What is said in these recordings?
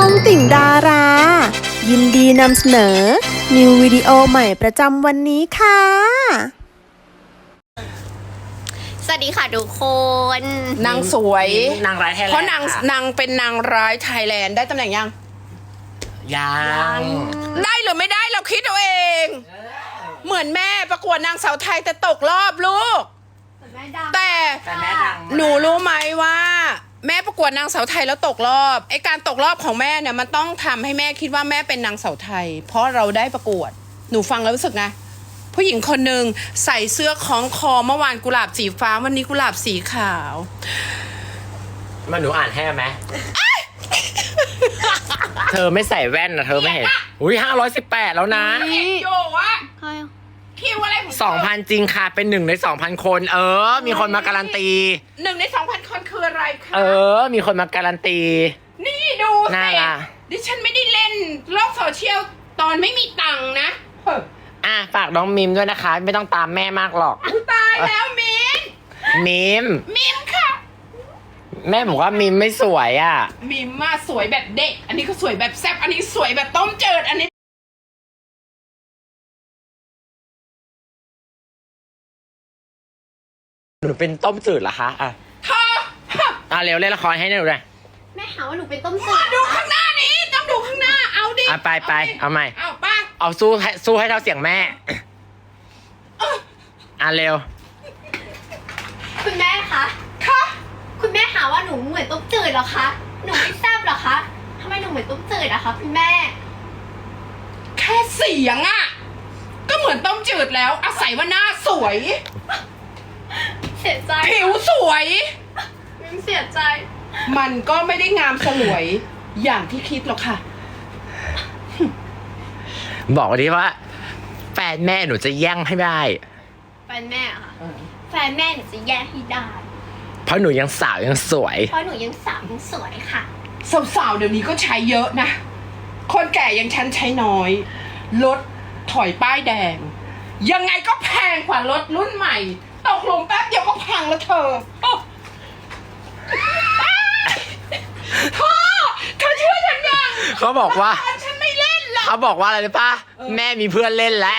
องติ่งดารา ยินดีนำเสนอ นิววิดีโอใหม่ประจำวันนี้ค่ะสวัสดีค่ะทุกคนนางสวยนางร้ายไทยแลนด์เพราะนางค่ะนางเป็นนางร้ายไทยแลนด์ได้ตำแหน่งยังยังได้หรือไม่ได้เราคิดเอาเอง เหมือนแม่ประกวดนางสาวไทยแต่ตกรอบลูก แต่แต่แม่ดังมากหนูรู้ไหมว่า แม่ประกวดนางสาวไทยแล้วตกรอบไอการตกรอบของแม่เนี่ยมันต้องทำให้แม่คิดว่าแม่เป็นนางสาวไทย เพราะเราได้ประกวดหนูฟังแล้วรู้สึกไงผู้หญิงคนหนึ่งใส่เสื้อคล้องคอเมื่อวานกุหลาบสีฟ้าวันนี้กุหลาบสีขาวมาหนูอ่านให้ไหม เธอไม่ใส่แว่นนะเธอไม่เห็น อุ้ย518 แล้วนะเห็นโยว่าคิวอะไรของเธอ 2,000 จริงค่ะ เป็น1 ใน 2,000 คน มีคนมาการันตี 1 ใน 2,000 คนคืออะไรคะมีคนมาการันตีนี่ดูน่าสิรักดิฉันไม่ได้เล่นโลกโซเชียลตอนไม่มีตังค์นะเฮ้ยฝากน้องมิมด้วยนะคะ ไม่ต้องตามแม่มากหรอกอุ๊ยตายแล้วมินมิมมิมค่ะแม่บอกว่ามิมไม่สวยอ่ะมิมมาสวยแบบเด็ก อันนี้ก็สวยแบบแซ่บอันนี้สวยแบบต้มจืดอันนี้หนูเป็นต้มจืดเหรอคะเธอเร็วเล่นละครให้หนูเลยแม่หาว่าหนูเป็นต้มจืมาดดูข้างหน้านี้ต้องดูข้างหน้าเอาดิไปเอาใหม่เอาป้าเอาสู้ให้เท่าเสียงแม่ เร็วคุณแม่คะค่ะคุณแม่หาว่าหนูเหมือนต้มจืดเหรอคะ หนูไม่แซ่บเหรอคะทำไมหนูเหมือนต้มจืดอะคะคุณแม่แค่เสียงอ่ะก็เหมือนต้มจืดแล้ว อาศัยว่าหน้าสวยเสียใจผิวสวยมิมเสียใจมันก็ไม่ได้งามสลวยอย่างที่คิดหรอกค่ะบอกดิว่า แฟนแม่หนูจะแย่งให้ได้แฟนแม่อะค่ะ แฟนแม่หนูจะแย่งให้ได้เพราะหนูยังสาวยังสวยเพราะหนูยังสาวยังสวยค่ะสาวๆเดี๋ยวนี้ก็ใช้เยอะนะ คนแก่ยังฉันใช้น้อย รถถอยป้ายแดง ยังไงก็แพงกว่ารถรุ่นใหม่ ตกหลุมแป๊บเดียวก็พังแล้วเธอโอ้เธอเชื่อฉันยังเขาบอกว่าฉันไม่เล่นหรอกเขาบอกว่าอะไรรู้ปะแม่มีเพื่อนเล่นแล้ว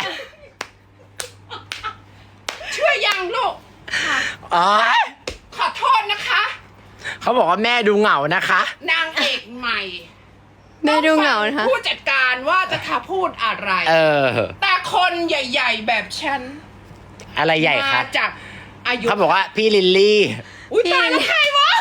เชื่อยังลูกอ๋อขอโทษนะคะเขาบอกว่าแม่ดูเหงานะคะนางเอกใหม่แม่ดูเหงานะคะผู้จัดการว่าจะทำพูดอะไร แต่คนใหญ่ๆแบบฉันอะไรใหญ่คะมาจากอายุเขาบอกว่าพี่ลิลลี่อุ้ยตายแล้วใครวะ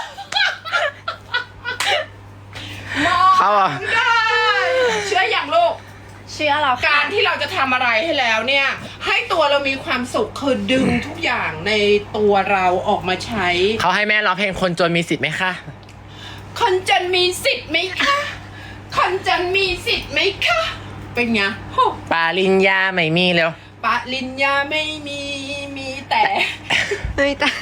มองเขาบอกได้เชื่ออย่างลูกเชื่อเราค่ะการที่เราจะทำอะไรให้แล้วเนี่ย ให้ตัวเรามีความสุขคือดึงทุกอย่างในตัวเราออกมาใช้เขาให้แม่ร้องเพลงคนจนมีสิทธิ์ไหมคะคนจนมีสิทธิ์ไหมคะคนจนมีสิทธิ์ไหมคะเป็นไงโหปาลิญญาไม่มีเร็วปริญญาไม่มีมีแต่เฮ้ยแต่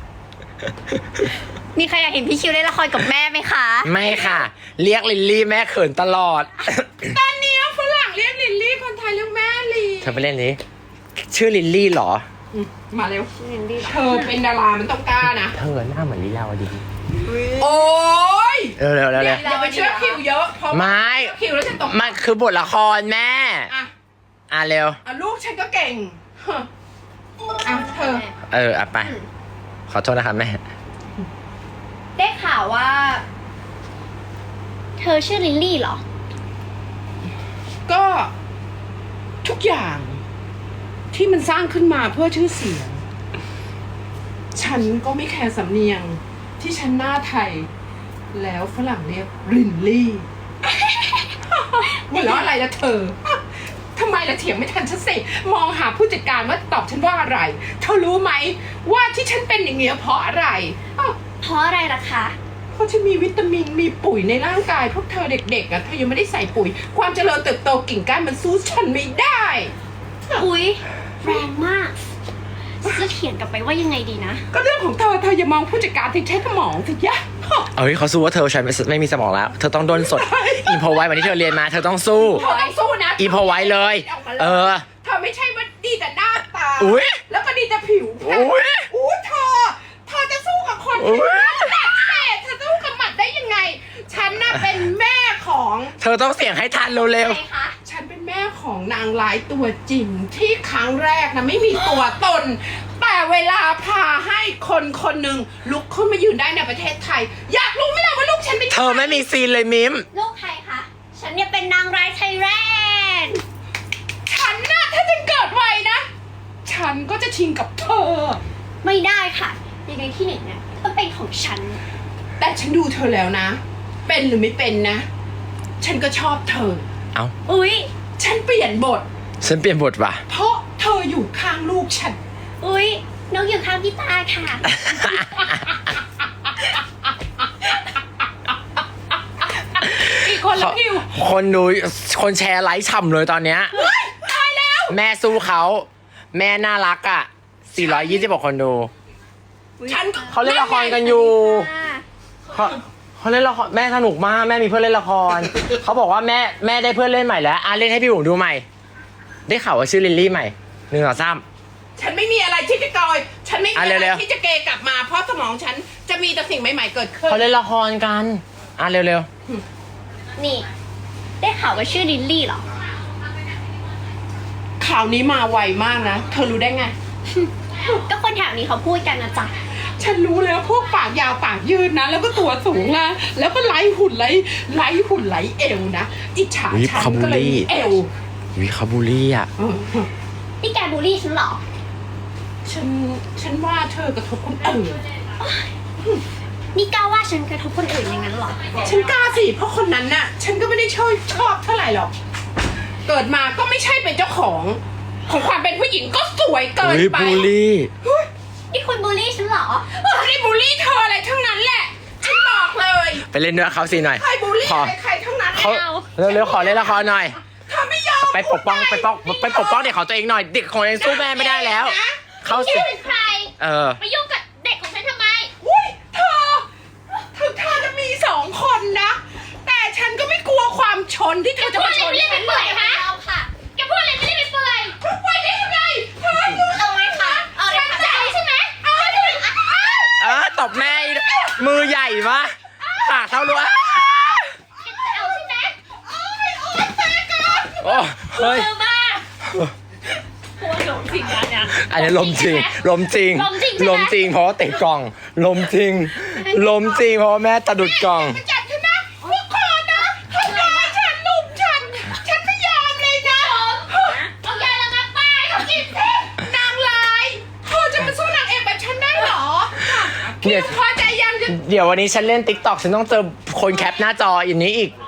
มีใครอยากเห็นพี่คิวเล่นละครกับแม่ไหมคะไม่ค่ะ เรียกลิลลี่แม่เขินตลอดตอนนี้ฝรั่งเรียกลิลลี่คนไทยเรียกแม่ลีเธอไปเล่นนี้ชื่อลิลลี่เหรอมาเร็วเธอเป็นดารามันต้องกล้านะเธอหน้าเหมือนลิลาวดีโอ้ยเร็วอย่าไปเชื่อคิวเยอะเพราะไม่คิวแล้วจะตกมันคือบทละครแม่อ่ะเร็วลูกฉันก็เก่งฮะอ่ะเธอไป ขอโทษนะครับแม่ได้ข่าวว่า เธอชื่อลิลลี่เหรอก็ทุกอย่างที่มันสร้างขึ้นมาเพื่อชื่อเสียง ฉันก็ไม่แคร์สำเนียงที่ฉันหน้าไทย แล้วฝรั่งเรียกลินลี่ หัวเราะอะไรละเธอทำไมละเถียงไม่ทันฉันสิมองหาผู้จัดการว่าตอบฉันว่าอะไร เธอรู้ไหมว่าที่ฉันเป็นอย่างเงี้ยเพราะอะไรอ้าวเพราะอะไรล่ะคะเพราะฉันมีวิตามินมีปุ๋ยในร่างกายพวกเธอเด็กๆอ่ะเธอยังไม่ได้ใส่ปุ๋ย ความเจริญเติบโตกิ่งก้านมันสู้ฉันไม่ได้อุ๊ย แรงมาก จะเถียงกลับไปว่ายังไงดีนะก็เรื่องของเธออย่ามองผู้จัดการที่ใช้สมองสิยะเขาสู้ว่าเธอใช้ไม่มีสมองแล้ว เธอต้องโดนสด อินโพไว้วันที่เธอเรียนมา เธอต้องสู้เธอต้องสู้นะอีโพไว้เลยเธอไม่ใช่ว่าดีแต่หน้าตาอุ๊ยแล้วก็ดีแต่ผิวแค่อุ๊ยเธอจะสู้กับคนอุ๊ที่ยหมัดเตะเธอสู้กับหมัดได้ยังไง ฉันน่ะเป็นแม่ของเธอต้องเสียงให้ทันเร็วใครคะฉันเป็นแม่ของนางร้ายตัวจริงที่ครั้งแรกนะไม่มีตัวตน แต่เวลาพาให้คนคนหนึ่งลุกขึ้นมายืนได้ในประเทศไทย อยากรู้ไหมล่ะว่าลูกฉันเป็นๆ เธอไม่มีซีนเลยมิมลูกใครคะ ฉันเนี่ยเป็นนางร้ายไทยแลนด์ฉันน่ะถ้าฉันเกิดไวนะ ฉันก็จะชิงกับเธอไม่ได้ค่ะ ยังไงที่หนึ่งเนี่ยต้องเป็นของฉันแต่ฉันดูเธอแล้วนะ เป็นหรือไม่เป็นนะ ฉันก็ชอบเธอเอ้าอุ๊ยฉันเปลี่ยนบทฉันเปลี่ยนบทว่ะเพราะเธออยู่ข้างลูกฉันอุ๊ยนกอยู่ข้างพี่ตาค่ะอีกคนละคิวคนดูคนแชร์ไลค์ฉ่ำเลยตอนเนี้ยตายแล้วแม่สู้เขา แม่น่ารักอ่ะ 426 คนดูฉันเขาเล่นละครกันอยู่ เขาเล่นละครแม่สนุกมาก แม่มีเพื่อนเล่นละคร เขาบอกว่าแม่ได้เพื่อนเล่นใหม่แล้วเล่นให้พี่บุ๋มดูใหม่ ได้ข่าวว่าชื่อลิลลี่ใหม่1 2 3 ฉันไม่มีอะไรที่จะกอยฉันไม่มีอะไรเร็วๆที่จะเกกลับมา เพราะสมองฉันจะมีแต่สิ่งใหม่ๆเกิดขึ้นเขาเล่นละครกันเร็วนี่ ได้ข่าวว่าชื่อลิลลี่เหรอข่าวนี้มาไวมากนะ เธอรู้ได้ไงก็คนแถวนี้เขาพูดกันนะจ๊ะฉันรู้แล้วพวกปากยาวปากยืดนะ แล้วก็ตัวสูงนะแล้วก็ไล่หุ่นไล่เอวนะอิจฉาฉันก็เลยมีเอวๆวิคาบูลี่อ่ะนี่แกบูลลี่ฉันเหรอฉันว่าเธอกระทบคนอื่นนี่กล้าว่าฉันกระทบคนอื่นอย่างนั้นเหรอฉันกล้าสิเพราะคนนั้นน่ะ ฉันก็ไม่ได้ชอบเท่าไหร่หรอก เกิดมาก็ไม่ใช่เป็นเจ้าของความเป็นผู้หญิงก็สวยเกินไปบูลลี่นี่คุณบูลลี่ฉันเหรอฉันไม่ได้บูลลี่เธออะไรทั้งนั้นแหละ ฉันบอกเลยไปเล่นด้วยเขาสิหน่อยใครบูลลี่ขอใครทั้งนั้นเขาไม่เอาเร็วๆขอเล่นละครหน่อยเธอไม่ยอมไปปกป้องเด็กของตัวเองหน่อย เด็กของตัวเองสู้แม่ไม่ได้แล้ว เขานี่สิเป็นใคร มายุ่งกับเด็กของฉันทำไมอุ้ยเธอถึงเธอจะมี2 คนนะ แต่ฉันก็ไม่กลัวความชนที่เธอจะมาชนแกพูดอะไรไม่ได้ไปเปื่อยฮะเอาค่ะ แกพูดอะไรไม่ได้ไปเปื่อยไปได้ยังไงเธออยู่เอาเลยค่ะ เอาเลยค่ะจะเอาใช่ไหมเอาเลยตบแม่อีกมือใหญ่มะปากเท่ารั้วแกจะเอาใช่ไหมโอ้เฮ้ยเจอมากกลัวหลงจริงนะเนี่ยอันนี้ลมจริงลมจริงใช่ไหมลมจริงเพราะว่าติดกล่อง ลมจริงเพราะว่าแม่ตะดุดกล่องจัดฉันนะทุกคนนะทำร้ายฉันลุมฉันไม่ยอมเลยนะเอายาระงับป้ายเขากินสินางร้ายเธอจะมาสู้นางเอกแบบฉันได้เหรอเนี่คิยวพอใจยังจะเดี๋ยววันนี้ฉันเล่นติ๊กต็อกฉันต้องเจอคนแคปหน้าจออย่างนี้อีก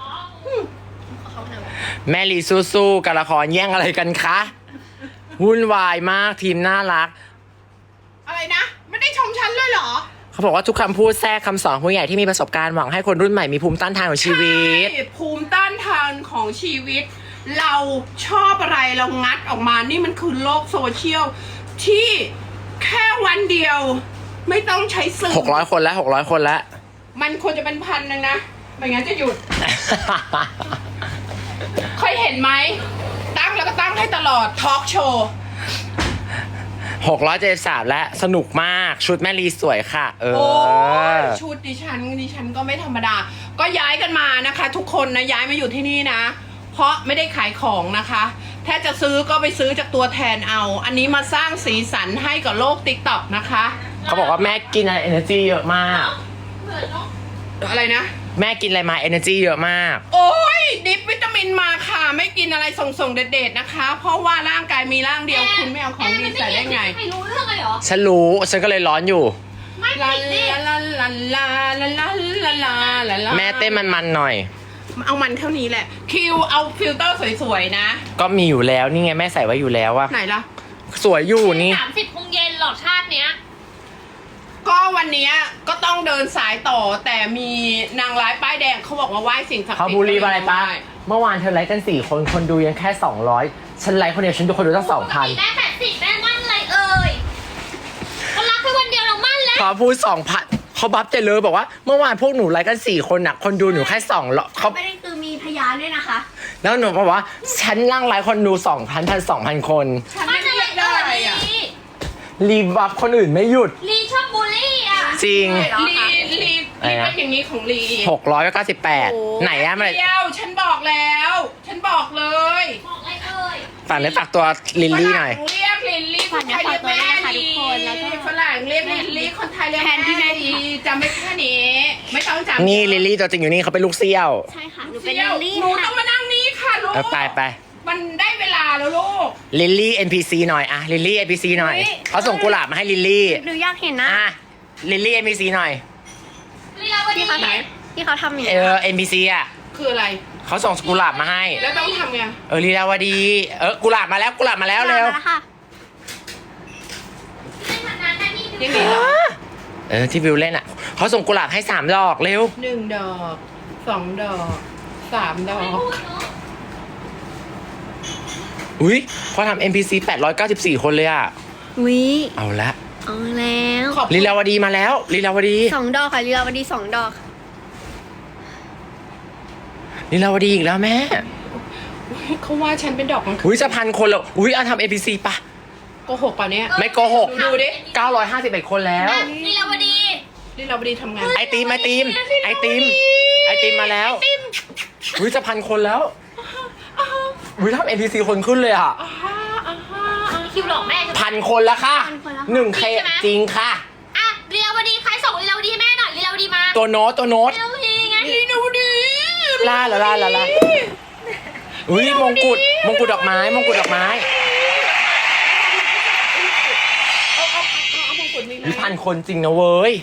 แม่ลีสู้ๆกับละครแย่งอะไรกันคะวุ่นวายมากทีมน่ารักอะไรนะ ไม่ได้ชมฉันเลยเหรอเขาบอกว่าทุกคำพูดแทรกคำสอนผู้ใหญ่ที่มีประสบการณ์หวังให้คนรุ่นใหม่มีภูมิต้านทานของชีวิตใช่ภูมิต้านทานของชีวิต เราชอบอะไรเรางัดออกมานี่มันคือโลกโซเชียลที่แค่วันเดียว ไม่ต้องใช้สื่อ 600 คนแล้ว600 คนแล้วมันควรจะเป็น1,000นึงนะไม่งั้นจะหยุด เคยเห็นไหมตั้งแล้วก็ตั้งให้ตลอดทอล์กโชว์ 673และสนุกมากชุดแม่ลีสวยค่ะโอ้ยชุดดิฉันก็ไม่ธรรมดา ก็ย้ายกันมานะคะ ทุกคนนะย้ายมาอยู่ที่นี่นะ เพราะไม่ได้ขายของนะคะ ถ้าจะซื้อก็ไปซื้อจากตัวแทนเอา อันนี้มาสร้างสีสันให้กับโลก TikTok นะคะเขาบอกว่าแม่กินอะไร energy เยอะมากอะไรนะแม่กินอะไรมา energy เยอะมากโอ้ยดิปวิตามินมาค่ะ ไม่กินอะไรส่งๆเด็ดๆนะคะ เพราะว่าร่างกายมีร่างเดียวคุณไม่เอาของดีใส่ได้ไงไม่รู้เรื่องเลยเหรอฉันรู้ฉันก็เลยร้อนอยู่ไม่ลาติดดิลาลาลาลาลาลาลาลาลาแม่เต้นมันๆหน่อยเอามันเท่านี้แหละ คิวเอาฟิลเตอร์สวยๆนะก็มีอยู่แล้วนี่ไงแม่ใส่ไว้อยู่แล้วอะไหนล่ะสวยอยู่นี่ 30 โมงเย็นหรอชาติเนี้ยก็วันเนี้ยก็ต้องเดินสายต่อแต่มีนางร้ายป้ายแดงเขาบอกว่าไหว้สิ่งศักดิ์สิทธิ์เขาบูลลี่อะไรปะเมื่อวานเธอไลค์กัน4 คนคนดูยังแค่200ฉันไลค์คนเดียวฉันดูคนดูตั้ง 2,000 แม่80แม่มั่นอะไรเอ่ยก็รักแค่วันเดียวเรามั่นแล้วพอพูด 2,000เขาบัฟเจเลยบอกว่าเมื่อวานพวกหนูไลค์กัน4 คนอะคนดูหนูแค่200เขาไม่ได้คือมีพยานด้วยนะคะแล้วหนูบอกว่าฉันนั่งไลค์คนดู 2,000 คนฉันไม่ได้ได้อะรีบัฟคนอื่นไม่หยุดลีชอบบูลลี่อ่ะจริงลีอะไรนี่นะเป็นอย่างนี้ของลี 698ไหนอะมันเดียวฉันบอกแล้ว ฉันบอกเลยบอกอะไรเอ่ยฝากเนื้อฝากตัวลิลลี่หน่อยฝรั่งเรียกลิลลี่คนไทยเรียกแม่ดีฝากเนื้อฝากตัวด้วยนะคะทุกคนแล้วก็ฝรั่งเรียกลิลลี่คนไทยเรียกแทนที่แม่แม่ดีจำไม่แค่นี้ ไม่ต้องจำนี่ลิลลี่ตัวจริงอยู่นี่เขาเป็นลูกเซี่ยวใช่ค่ะ หนูเป็นเดี๋ลิยวลลี่หนูต้ค่ะองมานั่งนี้ค่ะลูกไปมันได้เวลาแล้วลูกลิลลี่ NPC หน่อยอะลิลลี่ NPC หน่อยเขาส่งกุหลาบมาให้ลิลลี่หนูอยากเห็นนะอะลิลลี่ NPC หน่อยที่เขาที่เขาทำอย่าง NPC อะคืออะไรเขาส่งกุหลาบมาให้แล้วต้องทำไงลีลาวดีกุหลาบมาแล้วกุหลาบมาแล้วเร็วค่ะยังไงเหรอที่วิวเล่นอ่ะเขาส่งกุหลาบให้3 ดอกเร็ว 1 ดอก 2 ดอก 3 ดอกอุ้ยเขาทำ NPC 894 คนเลยอ่ะวิเอาละเอาแล้วขอบคุณลีลาวดีมาแล้วลีลาวดี 2 ดอกค่ะลีลาวดี2 ดอกลีลาวดีอีกแล้วแม่เขาว่าฉันเป็นดอกมังคุดอุ้ยจะ1,000 คนแล้วอุ้ยทำ NPC ปะโกหกป่ะเนี่ยไม่โกหกดูดิ 951 คนแล้วลีลาวดีนี่เราไปดีทำงานไอติมมาแล้วอุ้ยจะ1,000 คนแล้วอุ้ยทำ NPC คนขึ้นเลยอ่ะคิวหลอกแม่ใช่ไหม 1,000 คนแล้วค่ะ 1,000 คนแล้ว 1K จริงค่ะอ่ะลีลาวดีใครส่งลีลาวดีให้แม่หน่อยลีลาวดีมาตัวโน้ตลีลาวดีไงนี่ดูดิลาอุ้ยมงกุฎดอกไม้เอามงกุฎนี่วินะพันคนจริงนะเว้ย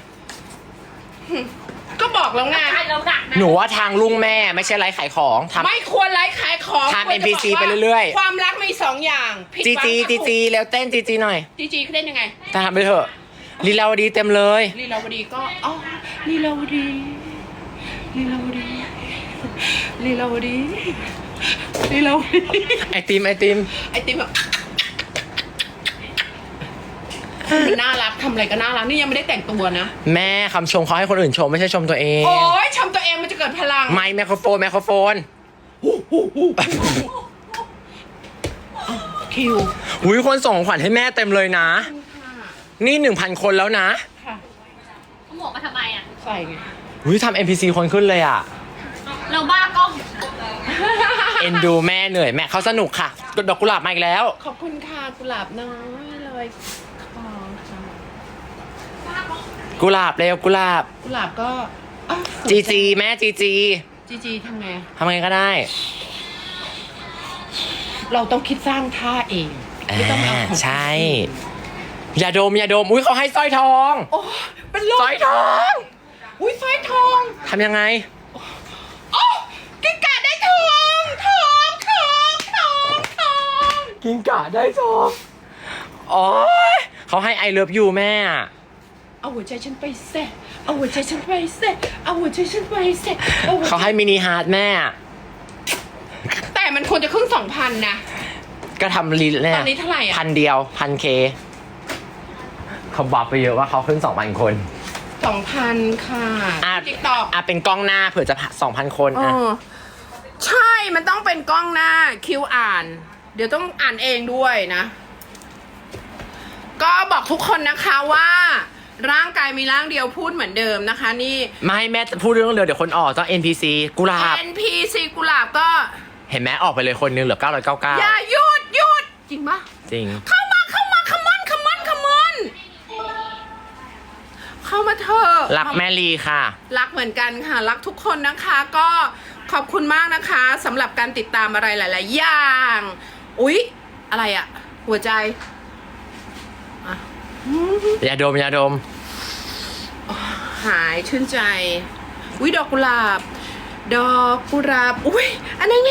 ก็บอกแล้วไงเราหนักนะหนูว่าทางลุงแม่ไม่ใช่ไลฟ์ขายของทำไม่ควรไลฟ์ขายของทำควรจะ NPC บอกว่าไปเรื่อยๆความรักมี2 อย่างผิดจีหวังจีกับจีจีแล้วเต้นจีจีหน่อยจีเขาเล่นยังไงแต่ทำไปเถอะลีลาวดีเต็มเลยลีลาวดีก็อ๋อลีลาวดีลีลาวดีลีลาวดีลีลาวดีไอติมไอติมแบบมันน่ารักทำอะไรก็น่ารักนี่ยังไม่ได้แต่งตัวนะแม่คำชมเขาให้คนอื่นชมไม่ใช่ชมตัวเองโอ้ยชมตัวเองมันจะเกิดพลังไมค์ไมโครโฟนคิวอุ้ยคนส่งของขวัญให้แม่เต็มเลยนะ นี่ 1,000 คนแล้วนะค่ะเอาหมวกมาทำไมอ่ะใส่ไงอุ้ยทำ NPC คนขึ้นเลยอ่ะเราบ้ากล้องเอ็นดูแม่เหนื่อยแม่เขาสนุกค่ะดอกกุหลาบมาอีกแล้วขอบคุณค่ะกุหลาบน้อยเลยขอค่ะกุหลาบเร็วกุหลาบกุหลาบก็อ้าวจีแม่จีจีทำไงทำไงก็ได้เราต้องคิดสร้างท่าเองไม่ต้องเอาของใช่ อย่าดมอุ้ยเขาให้สร้อยทองโอ้เป็นลมสร้อยทองอุ้ยสร้อยทองทำยังไงโอ้กิ้งก่าได้ทองทองกินกะได้ทองอ๋อเขาให้ไอเลิฟยูแม่อะเอาหัวใจฉันไปเสะเอาหัวใจฉันไปเสะเอาหัวใจฉันไปเสะเอาหัวใจเขาให้มินิฮาร์ดแม่อะแต่มันควรจะครึ่ง 2,000 นะก็ทำรีเนี่ยตอนนี้เท่าไหร่อะ 1,000 เดียว 1,000K เขาบอกไปเยอะว่าเขาขึ้น 2,000 คน 2,000 ค่ะ ติ๊กต็อกเป็นกล้องหน้าเผื่อจะ 2,000 คนอ๋อ่ะอใช่ มันต้องเป็นกล้องหน้าคิวอ่าน เดี๋ยวต้องอ่านเองด้วยนะ ก็บอกทุกคนนะคะว่า ร่างกายมีร่างเดียวพูดเหมือนเดิมนะคะ นี่ไม่ให้แม่พูดเรื่องเดียวเดี๋ยวคนออกต้อง NPC กุหลาบ NPC กุหลาบก็เห็นไหมออกไปเลยคนนึงเหลืออย่า 999 หยุดจริงปะจริงเข้ามาคัมอนเข้ามาเถอะรักแม่ลีค่ะรักเหมือนกันค่ะ รักทุกคนนะคะ ก็ขอบคุณมากนะคะสำหรับการติดตามอะไรหลาย ๆ อย่าง อุ๊ย อะไรอะหัวใจอ่ะอย่าดมหายชื่นใจ อุ๊ย ดอกกุหลาบ อุ๊ย อันนั้น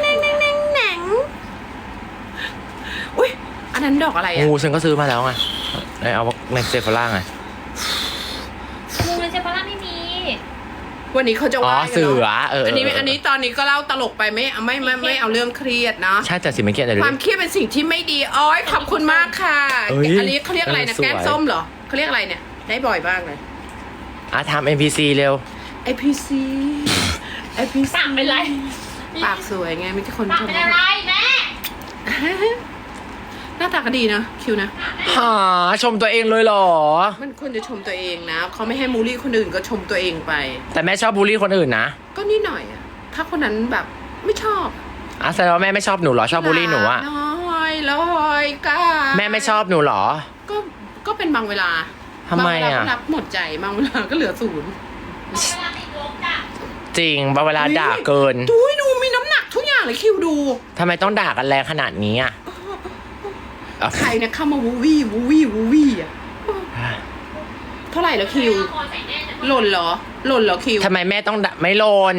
อุ๊ย อันนั้นดอกอะไรอะงูฉันก็ซื้อมาแล้วไงเอาในเซฟล่าไงมูนเซฟาร่าไม่มีวันนี้เขาจะว่าเสืออันนี้ตอนนี้ก็เล่าตลกไปไม่เอาเรื่องเครียดเนาะใช่แต่สิไม่เกียดเลยความเครียดเป็นสิ่งที่ไม่ดีอ้อยขอบคุณมากค่ะเอ้ยอันนี้เขาเรียกอะไรนะสวยแก้มส้มเหรอเขาเรียกอะไรเนี่ย ได้บ่อยมากเลยทำ NPC เร็ว IPC ปากเป็นไรปากสวยไงไม่ใช่คนปากเป็นอะไรแม่หน้าตาก็ดีนะคิวนะหาชมตัวเองเลยเหรอมันควรจะชมตัวเองนะเขาไม่ให้มูลลี่คนอื่นก็ชมตัวเองไปแต่แม่ชอบบูลลี่คนอื่นนะก็นิดหน่อยอะถ้าคนนั้นแบบไม่ชอบอ่ะแสดงว่าแม่ไม่ชอบหนูเหรอชอบบูลลี่หนูอะน้อยลอยกาแม่ไม่ชอบหนูเหรอก็เป็นบางเวลาทำไมอะบางเวลาก็รับหมดใจบางเวลาก็เหลือศูนย์เวลาติดลบจ้ะจริงบางเวลาด่าเกินดูให้ดูมีน้ำหนักทุกอย่างเลยคิวดูทำไมต้องด่ากันแรงขนาดนี้อ่ะใครเนี่ยเข้ามาวูวี่วูวี่วูวี่อะเท่าไหร่แล้วคิวคอใส่แน่จะหล่นเหรอหล่นเหรอคิวทำไมแม่ต้องด่าไม่โลน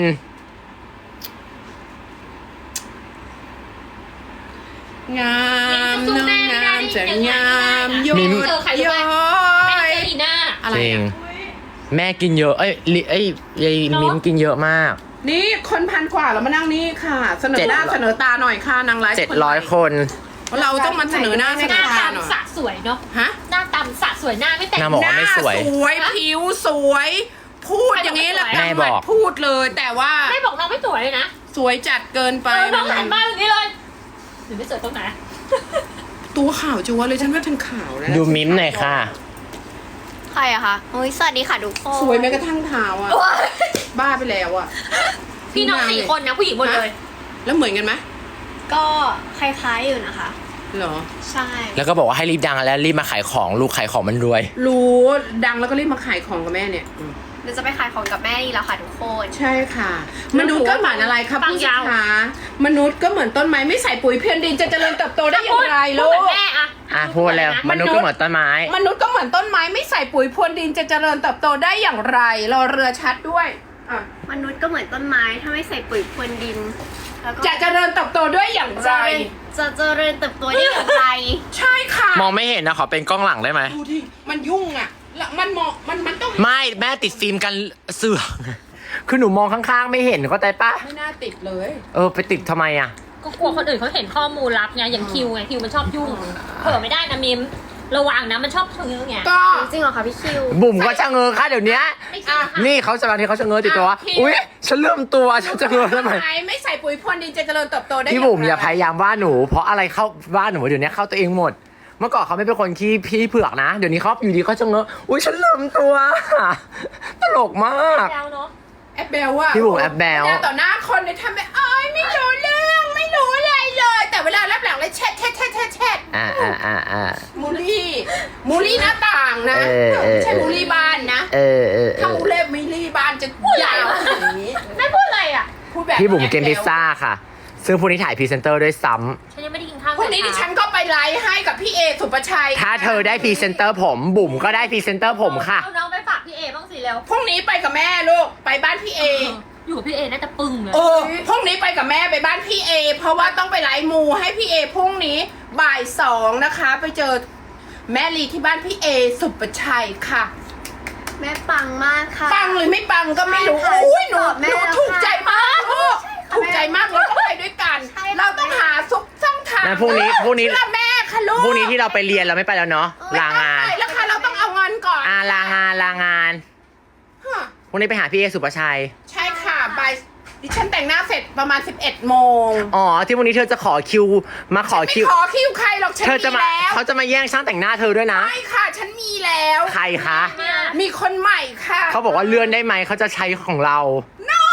งามน้องงามจะงามยอมิ้มดย้อแม่ยเจออีน่าอะไรจริงอะแม่กินเยอะ เอ้ยยายมิ้มกินเยอะมากนี่คนพันกว่าเรามานั่งนี่ค่ะ เสนอหน้า 700 เสนอตาหน่อยค่ะนางไลฟ์ 700 คนเราต้องมาเสนอหน้าเสหนน้าอตาหน่อยตำสะสวยเนาะฮะหน้าตำสะสวยหน้าไม่แต่งหน้าบอกหว่าน้าไม่สวยสวยผิวสวย พูดอย่างนี้แล้วแม่บอกพูดเลยแต่ว่าไม่บอกน้องไม่สวยเลยนะสวยจัดเกินไปน้องหันมาอย่างนี้เลยหรือไม่สวยตรงไหนตัวขาวจัวเลยฉันว่าฉันขาวแล้วดูมิ้มหน่อยค่ะใครอะคะโอ้ยสวัสดีค่ะทุกคนสวยแม้กระทั่งเท้าอ่ะ บ้าไปแล้วอ่ะพี่น้อง4 คนนะผู้หญิงหมดเลยแล้วเหมือนกันไหมก็คล้ายๆอยู่นะคะเหรอใช่แล้วก็บอกว่าให้รีบดังแล้วรีบมาขายของลูกขายของมันรวยรู้ดังแล้วก็รีบมาขายของกับแม่เนี่ยเดี๋ยวจะไปขายของกับแม่นี่แล้วค่ะทุกคนใช่ค่ะ มนุษย์ก็เหมือนอะไรครับฟังผู้ยาวชามนุษย์ก็เหมือนต้นไม้ไม่ใส่ปุ๋ยเพียนดินจะเจริญเติบโตได้อย่างไรพูลูดเหมืกอนแม่อะอ่ะพูดแล้วมนุษย์ก็เหมือนต้นไม้มนุษย์ก็เหมือนต้นไม้ไม่ใส่ปุ๋ยพรวนดินจะเจริญเติบโตได้อย่างไรรอเรือชัดด้วยอ่ะมนุษย์ก็เหมือนต้นไม้ถ้าไม่ใส่ปุ๋ยพรวนดินแล้วก็จะเจริญเติบโตด้วยอย่างไรจะเจริญเติบโตได้อย่างไรใช่ค่ะมองไม่เห็นนะขอเป็นกล้องหลังได้ไหมดูดิมันยุ่งอ่ะแล้วมันมองมันต้องไม่แม่ติดฟิล์มกันเสือกคือหนูมองข้างๆไม่เห็นเข้าใจปะไม่น่าติดเลยไปติดทำไมอ่ะก็กลัวคนอื่นเขาเห็นข้อมูลลับไงอย่างคิวไงคิวมันชอบยุ่งเผลอไม่ได้นะมิมระวังนะมันชอบชะเง้อไงก็จริงเหรอคะพี่คิวบุ๋มก็ชะเง้อค่ะเดี๋ยวนี้ไม่ใช่ค่ะนี่เขาจะบางทีเขาชะเง้อติดตัวว่าอุ๊ยฉันเริ่มตัวฉันจะเง้อทำไมไม่ใส่ปุ๋ยพรวนดินจะเจริญเติบโตได้พี่บุ๋มอย่าพยายามว่าหนู เพราะอะไรเข้าว่าหนูเดี๋ยวนี้เข้าตัวเองหมด เมื่อก่อนเขาไม่เป็นคนที่พี่เผือกนะ เดี๋ยวนี้เขาอยู่ดีเขาชะเง้ออุ๊ยฉันเริ่มตัวตลกมากแล้วเนาะแอบแบลว่าพี่บุ๋มแอบแบลต่อหน้าคนเนี่ยทำแบบไม่รู้เรื่องไม่รู้อะไรเลย แต่เวลารับหลังเลยแชทอ่ามูลี่หน้าต่างนะ ไม่ใช่มูลี่บ้านนะ ถ้ามูเล่มูลี่บ้านจะยาวอย่างนี้แม่พูดอะไรอ่ะพูดแบบพี่บุ๋มเกมพิซซ่าค่ะ ซึ่งพรุ่งนี้ถ่ายพรีเซนเตอร์ด้วยซ้ฉันยังไม่ได้กินข้าวพรุ่งนี้ดิฉันก็ไปไลฟ์ให้กับพี่เอสุปชัยำถ้าเธอได้พรีเซนเตอร์ผมบุ๋มก็ได้พรีเซนเตอร์ผมค่ะเอาน้องไปฝากพี่เอบ้างสิเร็วพรุ่งนี้ไปกับแม่ลูกไปบ้านพี่เออยู่กับพี่เอน่าจะปึ้งเลยพรุ่งนี้ไปกับแม่ไปบ้านพี่เอเพราะว่าต้องไปไลฟ์มูให้พี่เอพรุ่งนี้บ่าย 2นะคะ ไปเจอแม่ลีที่บ้านพี่เอสุปชัยค่ะแม่ปังมากค่ะปังหรือไม่ปังก็ไม่รู้ใช่ค่ะอุ้ยหนูตอบแม่หนูแล้วถูกใจมากลูกใช่ค่ะถูกใจมากเราต้องไปด้วยกันใช่ค่ะเราต้องหาซุกช่องทางงั้นพรุ่งนี้เชื่อแม่ค่ะลูกพรุ่งนี้ที่เราไปเรียนเราไม่ไปแล้วเนาะลางานไม่ต้องไปแล้วค่ะเราต้องเอาเงินก่อนลางานฮะพรุ่งนี้ไปหาพี่เอสุปชัยใช่ค่ะบ่ายดิฉันแต่งหน้าเสร็จประมาณ 11 โมงอ๋อที่วันนี้เธอจะขอคิวมาขอไม่คิวขอคิวใครหรอกฉันเธอจะมีมาแล้วเขาจะมาแย่งช่างแต่งหน้าเธอด้วยนะไม่ค่ะฉันมีแล้วใครคะมีคนใหม่ค่ะเขาบอกว่าเลื่อนได้ไหมเขาจะใช้ของเรา no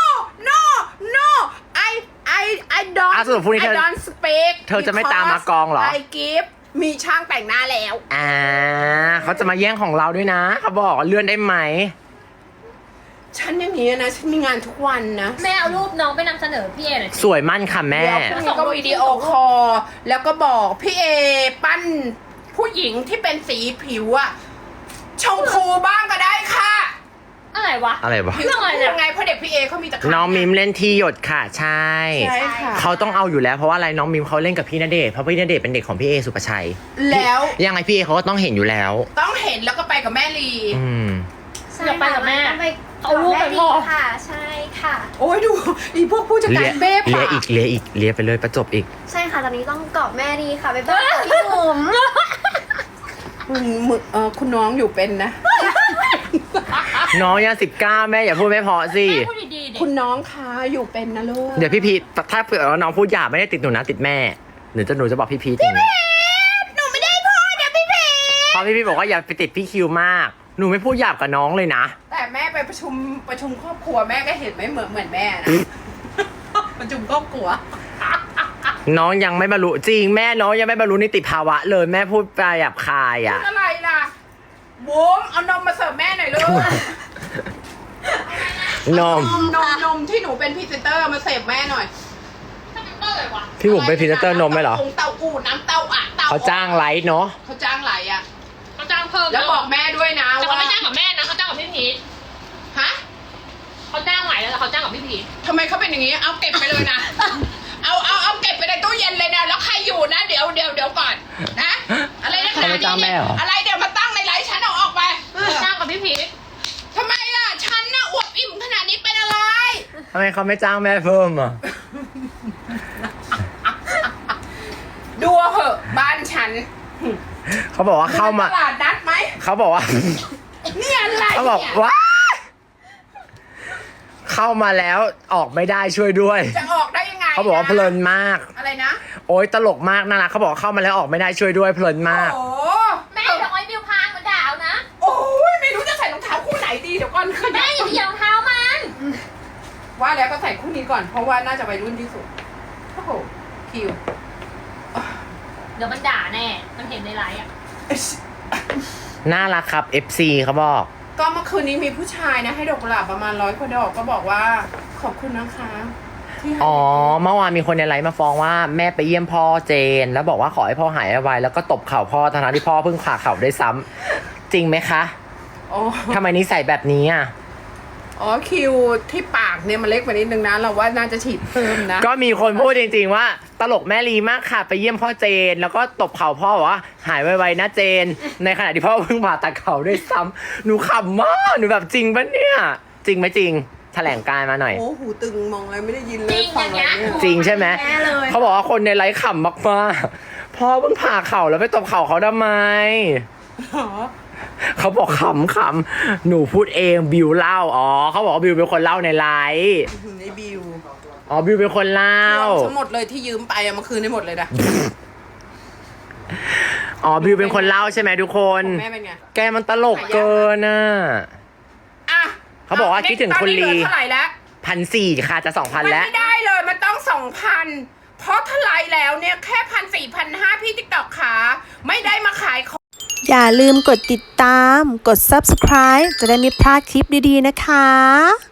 I don't สรุปพรุ่งนี้ I เธอ don't speak เธอจะไม่ตามมากองเหรอ I give มีช่างแต่งหน้าแล้วเขาจะมาแย่งของเราด้วยนะเขาบอกว่าเลื่อนได้ไหมฉันอย่างนี้นะ ฉันมีงานทุกวันนะแม่เอารูปน้องไปนำเสนอพี่เอหน่อยสิสวยมั่นค่ะแม่เดี๋ยวพรุ่งนี้ก็วิดีโอคอลแล้วก็บอกพี่เอปั้นผู้หญิงที่เป็นสีผิวอะชมพูบ้างก็ได้ค่ะอะไรวะอะไรวะผิวชมพูไงเพราะเด็กพี่เอเขามีตะขาบน้องมิมเล่นที่หยดค่ะใช่ใช่ค่ะเขาต้องเอาอยู่แล้วเพราะว่าอะไรน้องมิมเขาเล่นกับพี่ณเดชน์เพราะพี่ณเดชน์เป็นเด็กของพี่เอสุปชัยแล้วยังไงพี่เอเขาก็ต้องเห็นอยู่แล้วต้องเห็นแล้วก็ไปกับแม่ลีอืมอยากไปกับแม่ต้องไปเอารูปไปพอค่ะ ใช่ค่ะโอ้ยดูอีพวกผู้จัดการเบ้เลีป่ะยอีกเลียไปเลยประจบอีกใช่ค่ะตอนนี้ต้องกอบแม่ดีค่ะไปบ้านพี่บุ๋มคุณน้องอยู่เป็นนะน้องยัง19แม่อย่าพูดไม่เพอสิแม่พูดดีๆดิคุณน้องคะอยู่เป็นนะลูกเดี๋ยวพี่พีทถ้าเผื่อว่าน้องพูดหยาบไม่ได้ติดหนูนะติดแม่หนูจะบอกพี่พีทอย่างนี้หนูราะพี่บอกว่าอย่าไปติดพี่คิวมาก หนูไม่พูดหยาบกับน้องเลยนะแต่แม่ไปประชุมครอบครัวแม่ก็เห็นไม่เหมือนแม่นะ ประชุมครอบครัวน้องยังไม่บรรลุจริงแม่น้องยังไม่บรรลุนิติภาวะเลยแม่พูดไปหยาบคายอ่ะอะไรล่ะบุ๋มเอานมมาเสิร์ฟแม่หน่อยลูกนมนมที่หนูเป็นพรีเซนเตอร์มาเสิร์ฟแม่หน่อยถ้ามันเตอร์เลยวะพี่บุ๋มเป็นพรีเซนเตอร์นมไหมเหรอเต้าอู่น้ำเต้าอ่ะเต้าเขาจ้างไลฟ์เนาะเขาจ้างไหลอ่ะเขาจ้างเพิ่มแล้วบอกแม่ด้วยนะแต่เขาว่าไม่จ้างกับแม่นะเขาจ้างกับพี่พีทฮะเขาจ้างไหวแล้วแต่เขาจ้างกับพี่พีททำไมเขาเป็นอย่างนี้เอาเก็บไปเลยนะ เอาเก็บไปในตู้เย็นเลยนะแล้วใครอยู่นะเดี๋ยวก่อนนะอะไรนะเขาไม่จ้างแม่เหรออะไรเดี๋ยวมาตั้งในไลฟ์ฉันเอาออกไปเขาจ้างกับพี่พีททำไมล่ะฉันน่ะอวบอิ่มขนาดนี้เป็นอะไรทำไมเขาไม่จ้างแม่เพิ่มอ่ะดูเหอะบ้านฉันเขาบอกว่าเข้ามาตลาดนัดไหมเขาบอกว่าเนี่ยอะไรเขาบอกเนี่ยว่าเข้ามาแล้วออกไม่ได้ช่วยด้วยจะออกได้ยังไงเขาบอกว่าเพลินมากอะไรนะโอ๊ยตลกมากน่ารักเขาบอกเข้ามาแล้วออกไม่ได้ช่วยด้วยเพลินมากโอ้แม่จะเอาไอ้บิวพางมาด่าเอานะโอ้ยไม่รู้จะใส่รองเท้าคู่ไหนดีเดี๋ยวก่อนขแม่ยับอย่าเหยียบรองเท้ามันว่าแล้วก็ใส่คู่นี้ก่อนเพราะว่าน่าจะวัยรุ่นที่สุดโอ้โหคิวเดี๋ยวมันด่าแน่ มันเห็นในไลฟ์อ่ะน่ารักครับ FC เขาบอกก็เมื่อคืนนี้มีผู้ชายนะให้ดอกกุหลาบประมาณ100 กว่าดอกก็บอกว่าขอบคุณนะคะที่ให้อ๋อเมื่อวานมีคนในไลฟ์มาฟ้องว่าแม่ไปเยี่ยมพ่อเจน แล้วบอกว่าขอให้พ่อหายไวๆแล้วก็ตบเข่าพ่อทั้งๆที่พ่อเพิ่งผ่าเข่าได้วยซ้ำจริงไหมคะโอ้ทำไมนิสัยแบบนี้อ่ะอ๋อคิวที่ปากเนี่ยมันเล็กไปนิดนึงนะเราว่าน่าจะฉีดเพิ่มนะก็มีคนพูดจริงๆว่า ตลกแม่ลีมากค่ะ ไปเยี่ยมพ่อเจน แล้วก็ตบเข่าพ่อบอกว่าหายไวๆนะเจน ในขณะที่พ่อเพิ่งผ่าตัดเข่าด้วยซ้ำหนูขำมากหนูแบบจริงปะเนี่ย จริงไหมจริงแถลงการณ์มาหน่อยโอ้หูตึงมองอะไรไม่ได้ยินเลจริยงฟัอย่างเงี้ยอะไรเนี่ยจริงใช่ไหมแน่เลยเขาบอกว่าคนในไลฟ์ขำมากๆพ่อเพิ่งผ่าเข่าแล้วไปตบเข่าเขาทำไมอ๋อเขาบอกขำๆหนูพูดเองบิวเล่าอ๋อเขาบอกว่าบิวเป็นคนเล่าในไลฟ์ในบิวอ๋อบิวเป็นคนเล่าทั้งหมดเลยที่ยืมไปอะเมื่อคืนได้หมดเลยนะอ๋อบิวเป็นคนเล่าใช่ไหมทุกคนแม่เป็นไงแกมันตลกเกินน่ะอ่ะเขาบอกว่าคิดถึงคุณลีตอนนี้เหลือเท่าไหร่แล้ว 1,400ค่ะจะ 2,000 มันแล้วไม่ได้เลยมันต้อง 2,000 เพราะถ้าไลน์แล้วเนี่ยแค่1,400 1,500พี่ติ๊กต็อกขาไม่ได้มาขายของอย่าลืมกดติดตาม กด subscribe จะได้ไม่พลาดคลิปดีๆนะคะ